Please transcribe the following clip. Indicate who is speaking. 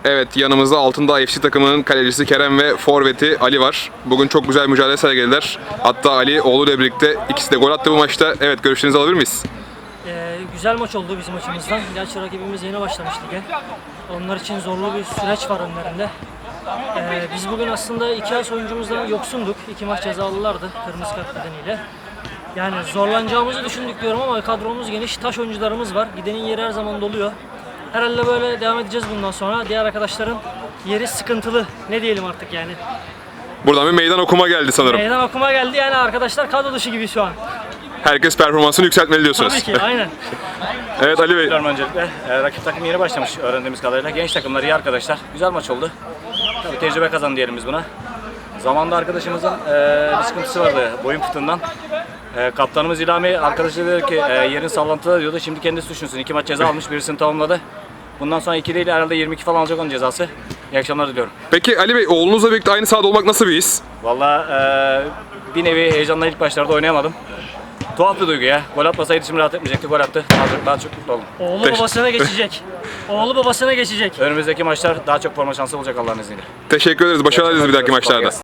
Speaker 1: Evet, yanımızda Altındağ FC takımının kalecisi Kerem ve forveti Ali var. Bugün çok güzel mücadele sergilediler. Hatta Ali oğluyla birlikte ikisi de gol attı bu maçta. Evet, görüşlerinizi alabilir miyiz?
Speaker 2: Güzel maç oldu bizim açımızdan. Gerçi rakibimiz yeni başlamış lige. Onlar için zorlu bir süreç var önlerinde. Biz bugün aslında iki as oyuncumuzdan yoksunduk. 2 maç cezalılardı kırmızı kart nedeniyle. Yani zorlanacağımızı düşündük diyorum ama kadromuz geniş, taş oyuncularımız var. Gidenin yeri her zaman doluyor. Herhalde böyle devam edeceğiz bundan sonra. Diğer arkadaşların yeri sıkıntılı. Ne diyelim artık yani.
Speaker 1: Buradan bir meydan okuma geldi sanırım.
Speaker 2: Meydan okuma geldi yani arkadaşlar kadro dışı gibi şu an.
Speaker 1: Herkes performansını yükseltmeli diyorsunuz.
Speaker 2: Tabii ki aynen.
Speaker 1: Evet Ali Bey.
Speaker 3: Öncelikle rakip takım yeni başlamış öğrendiğimiz kadarıyla. Genç takımlar, iyi arkadaşlar. Güzel maç oldu. Tabii tecrübe kazandı diyelim biz buna. Zamanında arkadaşımızın bir sıkıntısı vardı boyun fıtığından. Kaptanımız İlhami arkadaşı dedi ki yerin sallantıda diyordu. Şimdi kendisi düşünsün. 2 maç ceza almış, birisini tamamladı. Bundan sonra 2 değil herhalde 22 falan alacak onun cezası. İyi akşamlar diliyorum.
Speaker 1: Peki Ali Bey, oğlunuzla birlikte aynı sahada olmak nasıl bir his?
Speaker 3: Valla bir nevi heyecanla ilk başlarda oynayamadım. Tuhaf bir duygu ya. Gol atmasaydı şimdi rahat etmeyecekti. Gol attı. Daha çok mutlu oldum.
Speaker 2: Oğlu babasına geçecek. Oğlu babasına geçecek.
Speaker 3: Önümüzdeki maçlar daha çok forma şansı olacak Allah'ın izniyle.
Speaker 1: Teşekkür ederiz. Başarılar dileriz bir dahaki maçlarda.